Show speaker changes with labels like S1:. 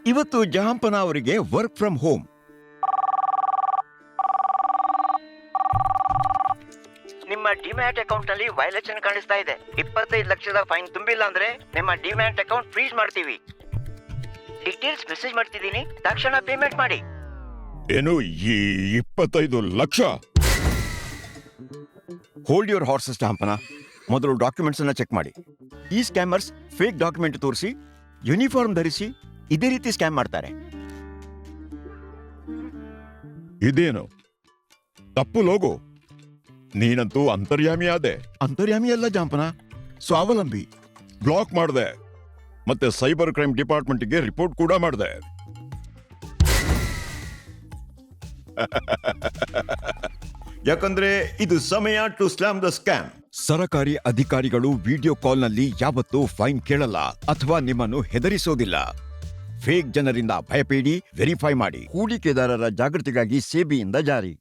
S1: ಇವತ್ತು ಜಹಾಂಪನ ಅವರಿಗೆ ವರ್ಕ್ ಫ್ರಮ್ ಹೋಮ್.
S2: ನಿಮ್ಮ ಡಿಮ್ಯಾಟ್ ಅಕೌಂಟ್ ನಲ್ಲಿ ವೈಲೇಷನ್ ಕಾಣಿಸ್ತಾ ಇದೆ. 25 ಲಕ್ಷದ ಫೈನ್ ತುಂಬಿಲ್ಲ ಅಂದ್ರೆ ನಿಮ್ಮ ಡಿಮ್ಯಾಟ್ ಅಕೌಂಟ್ ಫ್ರೀಸ್ ಮಾಡ್ತೀವಿ. ಡೀಟೇಲ್ಸ್ ಮೆಸೇಜ್ ಮಾಡ್ತಿದ್ದೀನಿ, ತಕ್ಷಣ ಪೇಮೆಂಟ್ ಮಾಡಿ.
S1: ಏನು ಈ 25 ಲಕ್ಷ? ಹೋಲ್ಡ್ ಯುವರ್ ಹಾರ್ಸಸ್ ಜಹಾಂಪನ. ಮೊದಲು ಡಾಕ್ಯುಮೆಂಟ್ಸ್ ಅನ್ನ ಚೆಕ್ ಮಾಡಿ. ಈ ಸ್ಕ್ಯಾಮರ್ಸ್ ಫೇಕ್ ಡಾಕ್ಯುಮೆಂಟ್ ತೋರಿಸಿ, ಯೂನಿಫಾರ್ಮ್ ಧರಿಸಿ ಇದೇ ರೀತಿ ಸ್ಕ್ಯಾಮ್ ಮಾಡ್ತಾರೆ.
S3: ಇದೇನು ತಪ್ಪು ಲೋಗೋ? ನೀನಂತೂ ಅಂತರ್ಯಾಮಿ ಆದೆ.
S1: ಅಂತರ್ಯಾಮಿ ಅಲ್ಲ ಜಹಾಂಪನ, ಸ್ವಾವಲಂಬಿ.
S3: ಬ್ಲಾಕ್ ಮಾಡಿದೆ, ಮತ್ತೆ ಸೈಬರ್ ಕ್ರೈಮ್ ಡಿಪಾರ್ಟ್ಮೆಂಟ್ಗೆ ರಿಪೋರ್ಟ್ ಕೂಡ ಮಾಡಿದೆ.
S1: ಯಾಕಂದ್ರೆ ಇದು ಸಮಯ ಟು ಸ್ಲಾಮ್ ದ ಸ್ಕ್ಯಾಮ್. ಸರಕಾರಿ ಅಧಿಕಾರಿಗಳು ವಿಡಿಯೋ ಕಾಲ್ನಲ್ಲಿ ಯಾವತ್ತೂ ಫೈನ್ ಕೇಳಲ್ಲ ಅಥವಾ ನಿಮ್ಮನ್ನು ಹೆದರಿಸೋದಿಲ್ಲ. ಫೇಕ್ ಜನರಿಂದ ಭಯಪೇಡಿ, ವೆರಿಫೈ ಮಾಡಿ. ಹೂಡಿಕೆದಾರರ ಜಾಗೃತಿಗಾಗಿ ಸೆಬಿಯಿಂದ ಜಾರಿ.